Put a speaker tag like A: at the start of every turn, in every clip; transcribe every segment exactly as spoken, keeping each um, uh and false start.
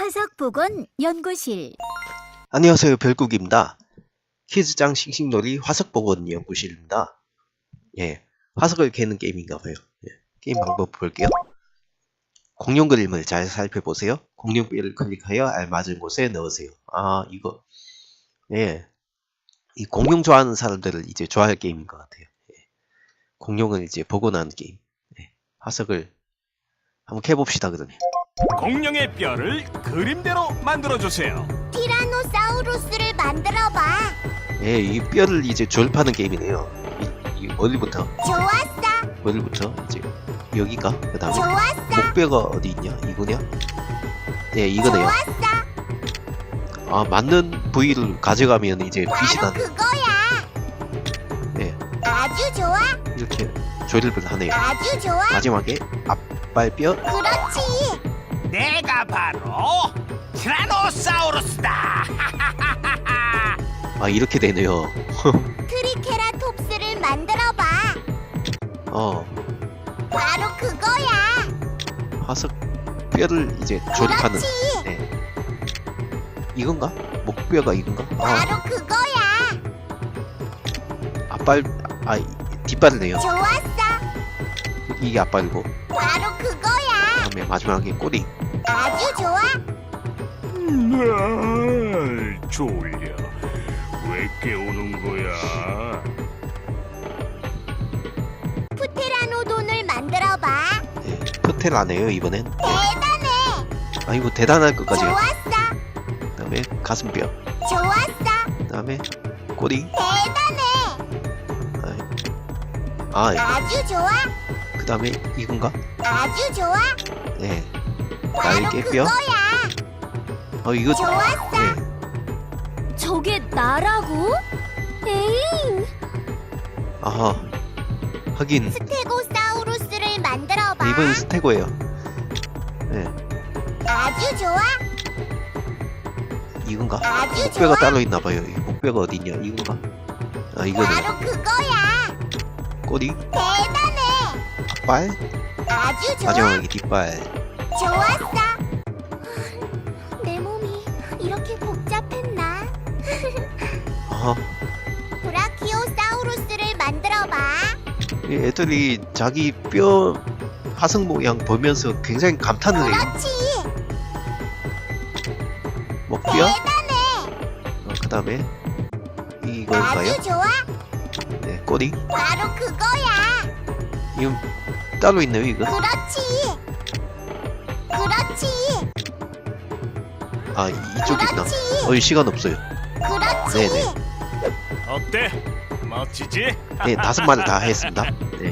A: 화석보건 연구실.
B: 안녕하세요, 별국입니다. 퀴즈장 싱싱놀이 화석보건 연구실입니다. 예, 화석을 캐는 게임인가봐요. 예, 게임 방법 볼게요. 공룡 그림을 잘 살펴보세요. 공룡뼈를 클릭하여 알맞은 곳에 넣으세요. 아, 이거 예, 이 공룡 좋아하는 사람들을 이제 좋아할 게임인 것 같아요. 예, 공룡을 이제 복원하는 게임. 예, 화석을 한번 캐봅시다. 그러면
C: 공룡의 뼈를 그림대로 만들어주세요.
D: 티라노사우루스를 만들어봐.
B: 예, 이 뼈를 이제 조립하는 게임이네요. 이, 이 어디부터?
D: 좋았어.
B: 어디부터? 이제 여기가 그 다음에
D: 좋았어.
B: 목뼈가 어디 있냐? 이거냐? 네, 이거네요.
D: 좋았어.
B: 아, 맞는 부위를 가져가면 이제 빛이
D: 바로
B: 나는.
D: 그거야.
B: 네,
D: 아주 좋아.
B: 이렇게 조립을 하네요.
D: 아주 좋아.
B: 마지막에 앞발뼈.
D: 그렇지.
C: 내가 바로 티라노사우루스다.
B: 아, 이렇게 되네요.
D: 트리케라톱스를 만들어봐.
B: 어,
D: 바로 그거야.
B: 화석 뼈를 이제 조립하는.
D: 그렇지.
B: 네, 이건가? 목뼈가 이건가? 아,
D: 바로 그거야.
B: 앞발, 아, 뒷발이네요.
D: 좋았어.
B: 이게 앞발이고,
D: 바로 그거야.
B: 그다음에 마지막에 꼬리.
D: 아주 좋아.
C: 날 졸려. 왜 깨우는 거야?
D: 프테라노돈을 만들어봐.
B: 네, 프텔라네요 이번엔. 네.
D: 대단해.
B: 아, 이거 대단할 것까지요.
D: 좋았어.
B: 그다음에 가슴뼈.
D: 좋았어.
B: 그다음에 꼬리.
D: 대단해.
B: 아, 예.
D: 아주 좋아.
B: 그 다음에 이건가?
D: 아주 좋아.
B: 네,
D: 바로
B: 날개뼈.
D: 그거야.
B: 어, 이거.
D: 좋았어.
B: 네.
A: 저게 나라고? 에잉.
B: 아하, 하긴
D: 스테고사우루스를 만들어봐.
B: 이번 스테고예요. 네,
D: 아주 좋아.
B: 이건가?
D: 아주
B: 목뼈가
D: 좋아.
B: 따로 있나봐요. 이 목뼈가 어디 있냐? 이건가? 아, 이거네.
D: 바로 그거야.
B: 꼬리,
D: 대단해.
B: 앞발,
D: 아주 좋아.
B: 마지막에 뒷발.
D: 좋았어. 내 몸이 이렇게 복잡했나?
B: 아하,
D: 브라키오사우루스를 만들어봐.
B: 이 애들이 자기 뼈 화석 모양 보면서 굉장히 감탄을 해요.
D: 그렇지.
B: 목뼈,
D: 대단해.
B: 어, 그 다음에 이건가요?
D: 아주 좋아.
B: 네, 꼬리.
D: 바로 그거야.
B: 이건 따로 있네요, 이거.
D: 그렇지. 그렇지.
B: 아, 이- 이쪽이구나.
D: 그렇지.
B: 어, 이 시간 없어요.
D: 그렇지.
B: 네네.
C: 어때? 멋지지?
B: 네, 다섯 마리 다 했습니다. 네.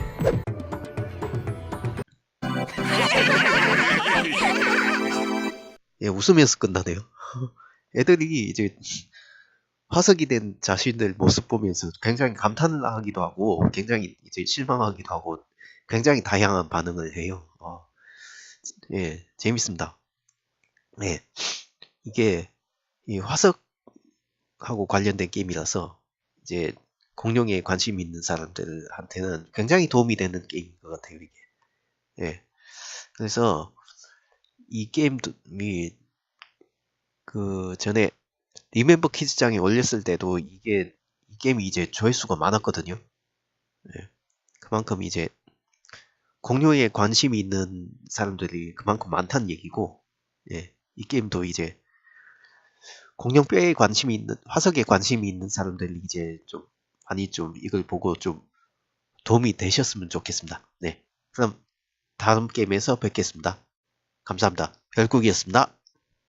B: 예, 웃으면서 끝나네요. 애들이 이제 화석이 된 자신들 모습 보면서 굉장히 감탄을 하기도 하고, 굉장히 이제 실망하기도 하고, 굉장히 다양한 반응을 해요. 어, 예, 재밌습니다. 예, 이게 이 화석하고 관련된 게임이라서 이제 공룡에 관심 있는 사람들한테는 굉장히 도움이 되는 게임인 것 같아요, 이게. 예, 그래서 이 게임이 그 전에 리멤버 퀴즈장에 올렸을 때도 이게 이 게임이 이제 조회수가 많았거든요. 예, 그만큼 이제 공룡에 관심이 있는 사람들이 그만큼 많다는 얘기고, 예, 이 게임도 이제 공룡뼈에 관심이 있는, 화석에 관심이 있는 사람들이 이제 좀 많이 좀 이걸 보고 좀 도움이 되셨으면 좋겠습니다. 네, 그럼 다음 게임에서 뵙겠습니다. 감사합니다. 별국이었습니다.